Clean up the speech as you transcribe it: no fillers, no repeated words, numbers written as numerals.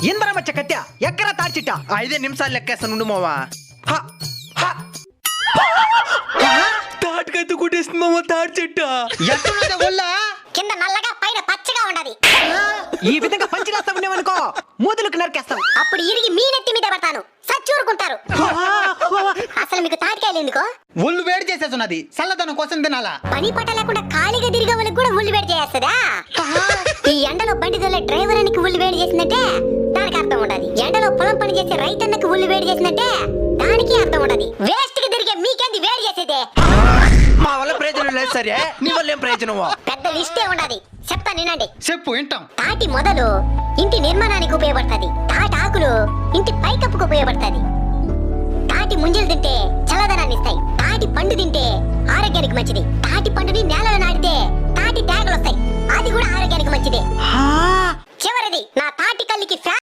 ఇందరమచ్చ కత్య ఎక్కర తాడ్చిట్ట 5 నిమిషాలు లెక్కేస్తాను ఉండు మావా. తాటికైతే కొట్టేస్తుంది మామ తాటి చెట్ట. ఎట్టున్నదే ఒళ్ళ కింద నల్లగా పైన పచ్చగా ఉండదు. ఈ విధంగా పంచిలేస్తా ఉండేవనుకో మూదులకు నరికేస్తాం. అప్పుడు ఇరిగి మీ నెత్తి మీద పడతాను, సచ్చూరుకుంటారు. అసలు మీకు తాటికాయలు ఎందుకో? ఒళ్ళు వేడి చేసేస్తున్నది, చల్లదనం కోసం తినాలా. పని పట్ట లేకుండా ఖాళీగా తిరిగే వాళ్ళకి కూడా ఉల్లి వేడి చేస్తుందా? ఈ ఎండలో బండి తోలే డ్రైవర్ అనికి ఉల్లి వేడి చేసిందంటే దానికి అర్థం ఉండదు. ఎండలో పొలం పని చేసే రైతన్నకి ఉల్లి వేడి చేసిందంటే దానికి అర్థం ఉండదు. వేస్ట్ కి తిరిగే మీకేంది వేడి చేసేదే? మా వల్ల ప్రయోజనం లేదు సరే, నీ వల్ల ఏం ప్రయోజనమో? పెద్ద లిస్టే ఉండదు, చెప్తా వినండి. చెప్పు వింటాం. తాటి మొదలు ఇంటి నిర్మాణానికి ఉపయోగపడుతుంది. తాటి ఆకులు ఇంటి పైకప్పుకు ఉపయోగపడుతుంది. తాటి ముంజలు తింటే చల్లదనాన్ని ఇస్తాయి. తాటి పండు తింటే ఆరోగ్యానికి మంచిది. తాటి పండుని నేలలో నాటితే తాటి తేగలు వస్తాయి, అది కూడా ఆరోగ్యానికి మంచిదే. చివరిది నా తాటి కల్లికి